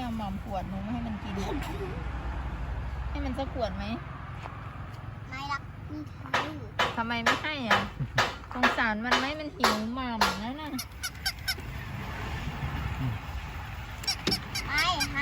เอาหม่อมขวดหนูไม่ให้มันกินให้มันสักขวดไหมไม่รักนี่คือทำไมไม่ให้อ่ะสงสารมันไหมมันหิวหม่ำแล้วนะให้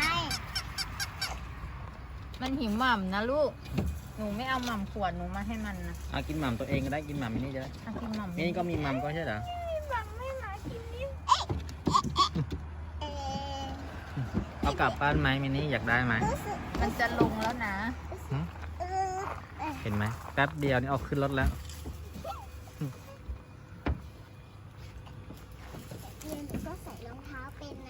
มันหิวหม่ำนะลูกหนูไม่เอาหม่ำขวดหนูมาให้มันนะเอากินหม่ำตัวเองก็ได้กินหม่ำมินี่จะได้เอากินหม่ำนี่ก็มีหม่ำก็ใช่เหรอหม่ำไม่มากินนี่เออเอากลับบ้านไหมมินี่อยากได้ไหมมันจะลงแล้วนะเออเห็นไหมแป๊บเดียวนี่เอาขึ้นรถแล้วเรียนก็ใส่รองเท้าเป็นนะ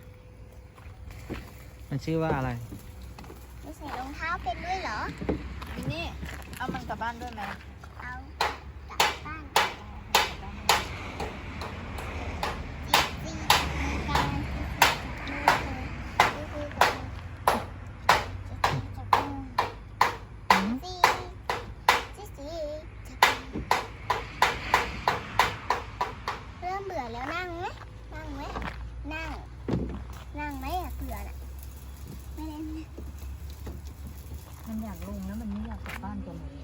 มันชื่อว่าอะไรไม่ใส่รองเท้าเป็นด้วยเหรอมินี่เอามันกลับบ้านด้วยไหมเอากลับบ้านจีมีการเริ่มเบื่อแล้วนั่งไหมนั่งไหมอะเบื่อน่ะไม่ได้นะมันอยากลงแล้วมันไม่อยากกลับบ้านตัวเลย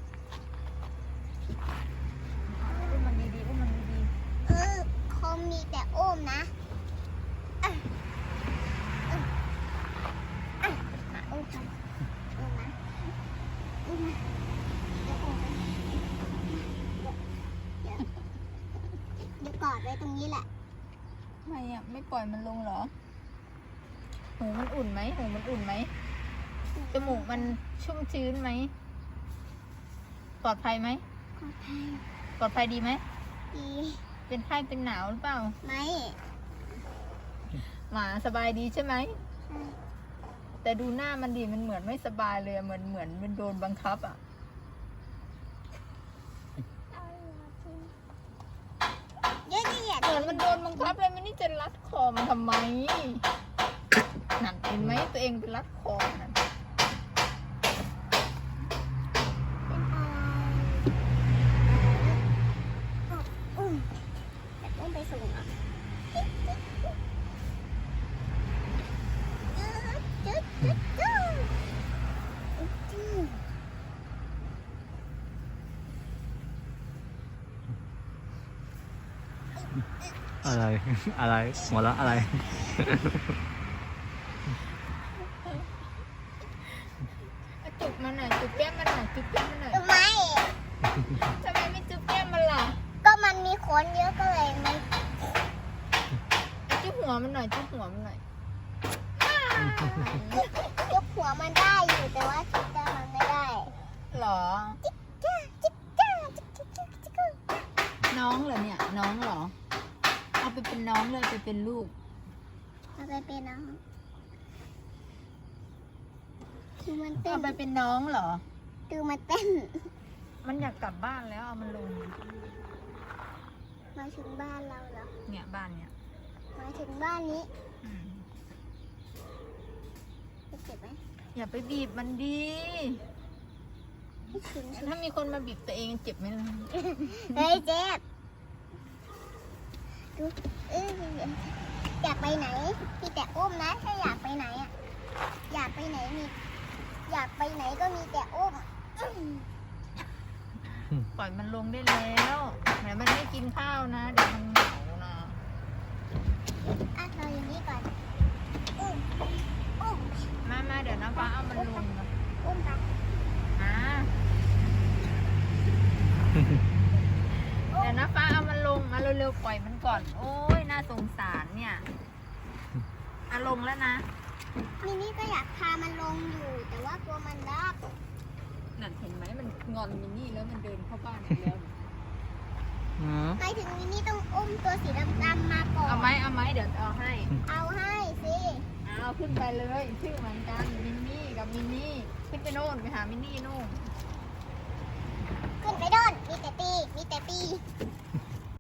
อุ้มมันดีๆอุ้มมันดีคงมีแต่อุ้มนะอุ้มทำอุ้มนะอุ้มนะเดี๋ยวกอดไว้ตรงนี้แหละๆทำไมอ่ะไม่ปล่อยมันลงเหรอหูมันอุ่นไหมหูมันอุ่นไหมจมูกมันชุ่มชื้นไหมปลอดภัยไหมขอภัยปลอดภัยดีไหมดีเป็นไข้เป็นหนาวหรือเปล่าไหมหมาสบายดีใช่ไหมแต่ดูหน้ามันดิมันเหมือนไม่สบายเลยอะเหมือนมันโดนบังคับอ่ะเยอะเหยียดเหมือนมันโดนบังคับเลยมันนี่จะรัดคอมันทำไมนั่นเห็นไหมตัวเองไปรัดคอนั่นเป็นแต่อุ้มไปส่งอ่ะอะไร อะไรหัวเราะอะไรจุบมันหน่อยจุบแก้มมันหน่อยจุบแก้มมันหน่อยทำไมทำไมไม่จุบแก้มมันล่ะก็มันมีขนเยอะก็เลยมันจุบหัวมันหน่อยจุบหัวมันหน่อยยกหัวมันได้อยู่แต่ว่าจิกจ้ามันไม่ได้หรอจิกจ้าจิกจ้าน้องเหรอเนี่ยน้องเหรอเอาไปเป็นน้องเลยไปเป็นลูกเอาไปเป็นน้องคือมันเต้เอานไปเป็นน้องเหรอคือมันเต้นมันอยากกลับบ้านแล้วเอามันลงมาถึงบ้านเราเหรอเนี่ยบ้านเนี่ยมาถึงบ้านนี้อืมจะเจ็บไหมอย่าไปบีบมันดีไม่ถึงถ้ามีคนมาบีบตัวเองเจ็บไหมล่ะเฮ้ยเจ็บดูอยากไปไหนมีแต่อุ้มนะถ้าอยากไปไหนอ่ะอยากไปไหนก็มีแต่อุ้มปล่อยมันลงได้แล้วแต่มันไม่กินข้าวนะเดี๋ยวมันเหงานะอ่ะเราอย่างนี้ก่อนอุ้มอุ้มมาเดี๋ยวนะฟ้าเอามันลงนะอุ้มไปอ่าเดี๋ยวนะฟ้าเอามันลงมาเร็วๆปล่อยมันก่อน โอ้ยน่าสงสารเนี่ยลงแล้วนะมินี่ก็อยากพามันลงอยู่ แต่ว่ากลัวมันรักนั่นเห็นไหมมันงอนมินนี่แล้วมันเดินเข้าบ้านอีกแล้วไปถึงมินี่ต้องอุ้มตัวสีดำๆมาก่อนเอาไหมเดี๋ยวเอาให้เอาให้สิเอาขึ้นไปเลยชื่อเหมือนกันมินนี่กับมินนี่ขึ้นไปโน่นไปหามินนี่โน่นขึ้นไปโดนมีแต่ตี